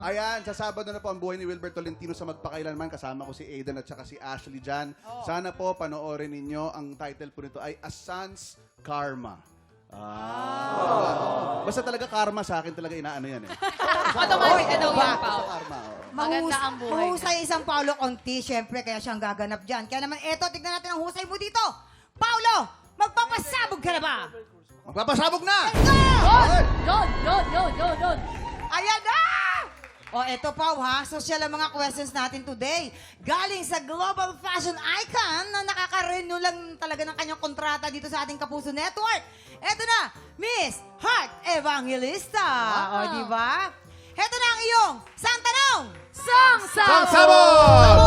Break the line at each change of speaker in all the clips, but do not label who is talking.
Ayan, sa Sabado na po ang buhay ni Wilbert Tolentino sa Magpakailanman. Kasama ko si Aidan at saka si Ashley dyan. Sana po panoorin ninyo. Ang title po nito ay A Son's Karma. Basta talaga karma sa akin talaga inaano yan eh.
Automatic na daw yan,
Basta
Pao.
karma.
Maganda ang buhay.
Mahusay isang Paolo Conti, syempre, kaya siyang gaganap dyan. Kaya naman, eto, tignan natin ang husay mo dito. Paolo, magpapasabog ka na ba?
Magpapasabog na!
Yun.
Ayan na! O, eto pa, ha? Social ang mga questions natin today. Galing sa global fashion icon na nakaka-renew lang talaga ng kanyang kontrata dito sa ating Kapuso Network. Eto na, Miss Heart Evangelista. O, di ba? Eto na ang iyong sang tanong.
Sabog!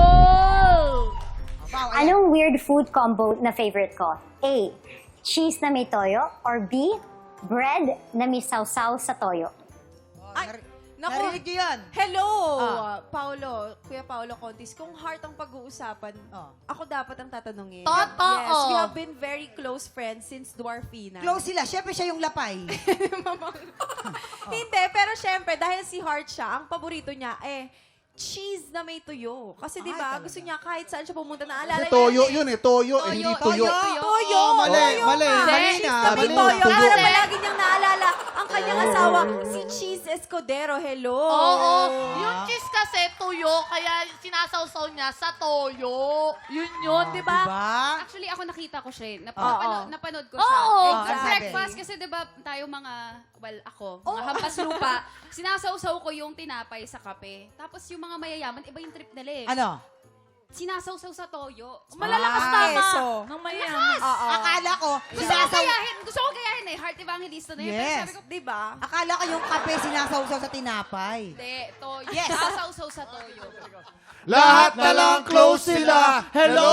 Wow, ayan.
Anong weird food combo na favorite ko? A. Cheese na may toyo. Or B. Bread na may sausaw sa toyo.
Ay,
Naku.
narinig niyo yan?
Hello,
Ah.
Paolo, Kuya Paolo Contis. Kung heart ang pag-uusapan, ako dapat ang tatanungin.
Totoo.
Yes, we have been very close friends since Dwarfina.
Close sila. Syempre siya yung lapay.
Hindi, pero syempre, dahil si Heart siya, ang paborito niya, cheese na may tuyo. Kasi di ba gusto niya kahit saan siya pumunta, naalala
Kasi
niya
toyo
eh.
yun eh. Toyo, eh, hindi tuyo.
Toyo!
Mali, mali. Mali
Cheese
na.
na may
Mali.
toyo.
Tuyo.
Para palagi niyang naalala ang kanyang asawa, si Cheese Escudero. Hello!
Oo. Yung cheese kasi tuyo, kaya sinasawsaw niya sa toyo. Yun, di ba?
Diba?
Actually, ako nakita ko siya.
Oo.
Napanood ko
Oo.
siya.
Exactly.
Sa breakfast, kasi diba tayo mga hampas lupa, sinasawsaw ko yung tinapay sa kape. Tapos yung mga mayayaman, iba yung trip nila eh.
Ano?
Sinasawsaw sa toyo.
Malalakas tama. Nang mayaman. Oo.
Akala ko,
Gusto ko gayahin eh. Heart Evangelista na yun. Pero
Yes.
sabi ko,
Di ba?
akala ko yung kape sinasawsaw sa tinapay.
hindi, toyo.
Yes.
Sinasawsaw sa toyo.
Lahat na lang close sila. Hello!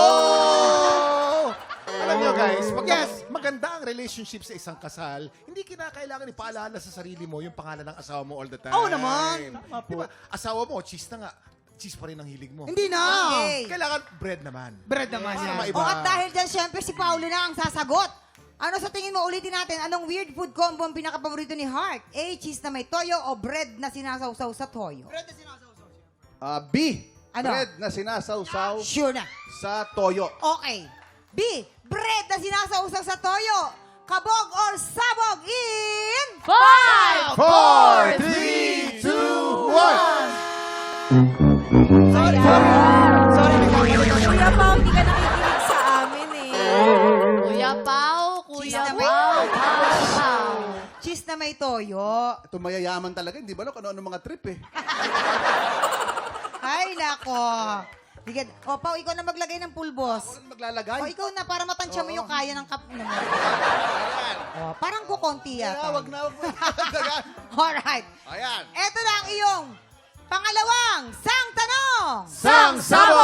Alam nyo guys, maganda ang relationship sa isang kasal. Hindi kinakailangan ipaalala sa sarili mo yung pangalan ng asawa mo all the time.
Oo naman.
Tama po. Diba, asawa mo, cheese na nga. Cheese pa rin ang hilig mo.
Hindi na. Okay.
Kailangan bread naman.
Bread naman
Para
yan.
maiba.
O at dahil dyan, syempre si Paolo na ang sasagot. Ano sa tingin mo, ulitin natin, anong weird food combo ang pinakapaborito ni Heart? A, cheese na may toyo o bread na sinasawsaw sa toyo?
B.
Ano?
Bread na sinasawsaw
Sure na.
sa toyo.
Okay. B, bread na sinasawsaw sa toyo. Kabog or sabog in...
5,
4, 3, 2, 1.
Kuya Pao, hindi ka nakikinig sa amin eh.
Kuya Pao,
Cheese
Kuya
na may-
Pao.
Cheese na may toyo.
Ito mayayaman talaga. Hindi ba ano mga trip eh.
Ay, nako. Sige. O, Pao, ikaw na maglagay ng pulbos.
Ano maglalagay?
O, ikaw na, para matansya mo yung kaya ng kap naman. O, parang kukonti yata.
Wag na, wag mo dagdagan.
Alright.
Ayan.
Eto na ang iyong pangalawang sang tanong.
Sang Sabo!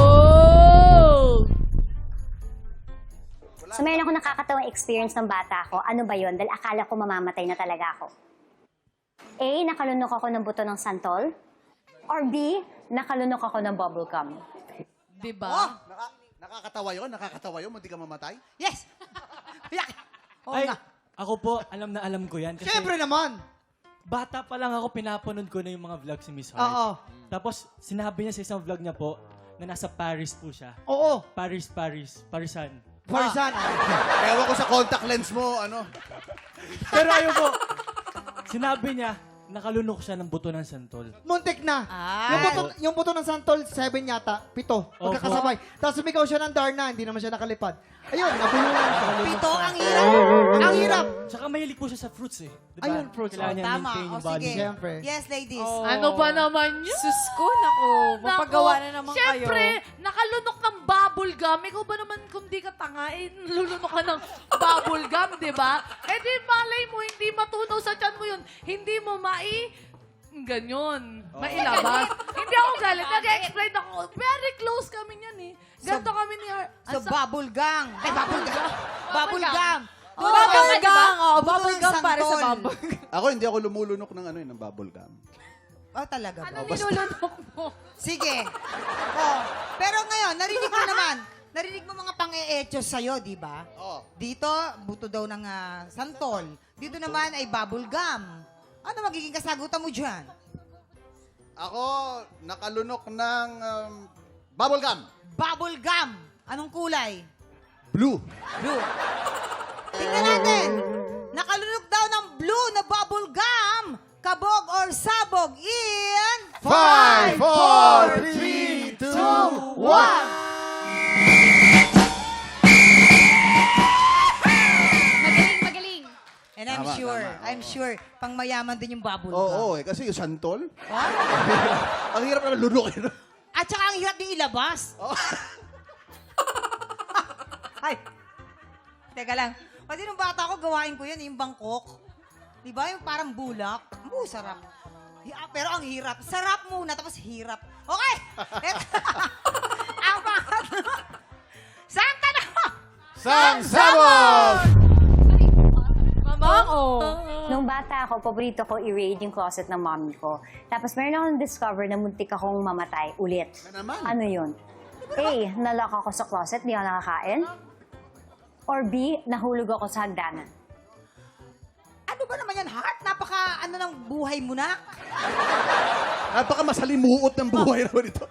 So meron ako nakakatawang experience ng bata ko. Ano ba yun? Dahil akala ko mamamatay na talaga ako. A. Nakalunok ako ng buto ng santol. Or B. Nakalunok ako ng bubble gum.
Diba?
Oh,
Nakakatawa yun? Nakakatawa yun? Hindi ka mamatay?
yes. Yak. Oo
Ay,
nga.
ako po, alam na alam ko yan. Kasi
Siyempre naman.
bata pa lang ako, pinapanood ko na yung mga vlog si Miss Heart.
Oo.
Tapos, sinabi niya sa isang vlog niya po, na nasa Paris po siya.
Oo.
Parisan.
Parsan.
Ewan ko sa contact lens mo, ano.
Pero ayun po, sinabi niya, nakalunok siya ng buto ng santol.
Muntik na.
Ah.
Yung buto ng Santol, 7 yata. 7. Magkakasabay. Tapos sumigaw siya ng Darna, hindi naman siya nakalipad. Ayun, nabulungan siya.
Pito, ang hirap.
Ang hirap.
Tsaka mahilig po siya sa fruits eh. Diba?
Ayun, fruits.
Kailangan niya
Tama.
maintain
O,
yung body
sige.
niya.
Siyempre.
Yes, ladies.
Ano ba naman yun?
Sus ko, naku. Mapagawa na naman kayo.
Siyempre, nakalunok ng bubble gum. Ikaw ba naman kung di ka tanga, lulunok ka ng bubble gum, di ba? Eh di malay mo, hindi matunaw sa tiyan mo yun. Hindi mo ganyan. Mailabas. Hindi ako galit. Nag-explain ako. Very close kami niyan eh. Ganto kami ni Har...
So, bubble gang. Ay, bubble gang. Bubble gum.
Bubble gum. Oh,
Buto
bubble
ng
gum para sa
santol.
bubble gum.
Ako, hindi ako lumulunok ng ng bubble gum.
Oh, talaga ba?
Ano nilulunok mo?
Sige. Oh, pero ngayon, narinig mo naman. Narinig mo mga pang-e-echos sa'yo, di ba?
Oo.
Dito, buto daw ng santol. Dito naman ay bubble gum. Ano magiging kasagutan mo dyan?
Ako, nakalunok ng bubble gum.
Bubble gum. Anong kulay?
Blue.
Blue. Tingnan natin. Nakalunok daw ng blue na bubble gum. Kabog or sabog in...
5, 4, 3, 2, 1.
Magaling.
And I'm
Tama,
sure,
tama,
I'm sure, pang mayaman din yung bubble gum.
Oo, kasi yung santol.
Ah.
Ang hirap naman lunukin.
At saka ang hirap din ilabas.
Oh.
Ay, teka lang. Kasi nung bata ko, gawain ko yun, yung Bangkok. Di ba? Yung parang bulak. Sarap. Pero ang hirap. Sarap muna, tapos hirap. Okay! Ang pangatlo. Santa na!
Sang sabog!
Nung bata ako, paborito ko i-raid yung closet ng mommy ko. Tapos meron akong discover na muntik akong mamatay ulit.
Na naman.
Ano yun? A, nalock ako sa closet, di ako nakakain. Or B, nahulog ako sa hagdanan.
Ano ba naman yan, Heart? Napaka, ng buhay mo na?
Napaka masalimuot ng buhay naman ito.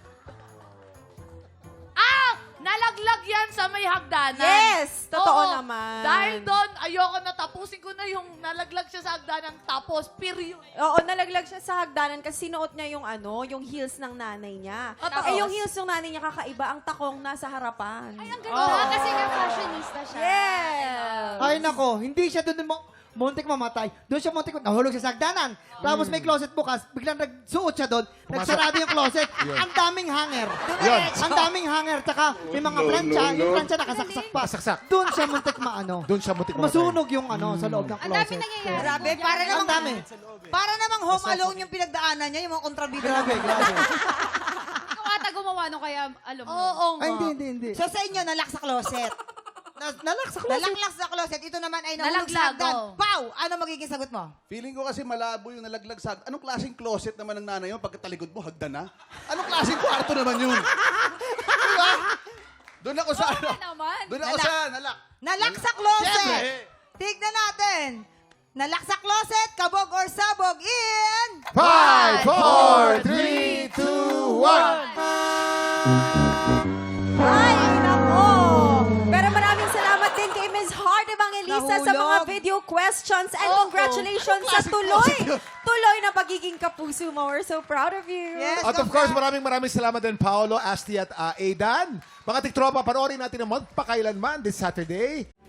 Nalaglag yan sa may hagdanan.
Yes! Totoo
Oo.
naman.
Dahil doon, ayoko na tapusin ko na yung nalaglag siya sa hagdanan. Tapos, period.
Oo, nalaglag siya sa hagdanan kasi sinuot niya yung heels ng nanay niya.
Tapos?
Yung heels ng nanay niya kakaiba, ang takong nasa harapan.
Ay, ang ganda. Kasi nga fashionista siya.
Yeah!
Ay nako, hindi siya doon muntik mamatay. Doon siya muntik nahulog sa sagdanan. Tapos may closet bukas, biglang nagsuot siya doon. Nagsarado yung closet. Ang daming hanger.
Yun.
Ang daming hanger. Tsaka may mga plancha. Yung plancha nakasaksak pa.
Nakasaksak.
Doon siya muntik maano.
Doon siya mutik mamatay.
Masunog yung sa loob ng
Ang dami
closet.
nangyayari.
Grabe, para
Ang
namang,
dami.
para namang home alone yung pinagdaanan niya, yung mga kontrabida.
Grabe, grabe.
Ikaw ata gumawa no kaya alam mo.
Oo nga.
Ay, hindi.
So sa inyo, nalak sa closet.
Nalak sa closet.
Nalak sa closet. Ito naman ay nahulog sa
Nalaglag,
hagdan.
oh.
Pau! Ano magiging sagot mo?
Feeling ko kasi malabo yung nalaglag sa... Anong klaseng closet naman ng nanay mo pagkatalikod mo, hagdan na? Anong klaseng kwarto naman yun? Diba? Doon ako sa ano?
naman.
Doon ako
Nalak.
sa nalak.
Nalak sa closet.
Siyempre.
Tignan natin. Nalak sa closet, kabog or sabog in...
5, 4, 3, 2, 1.
Ay, nako!
Pero maraming salamat din kay Ms. Heart Evangelista sa mga
Nahulog.
video questions and
Oo.
congratulations
Anong
sa
klaseng
tuloy.
closet yun?
Tuloy na pagiging kapuso mo. We're so proud of you.
Yes,
At of course, maraming salamat din, Paolo, Asti at Aidan. Mga tiktropa, panoorin natin ang Magpakailanman this Saturday.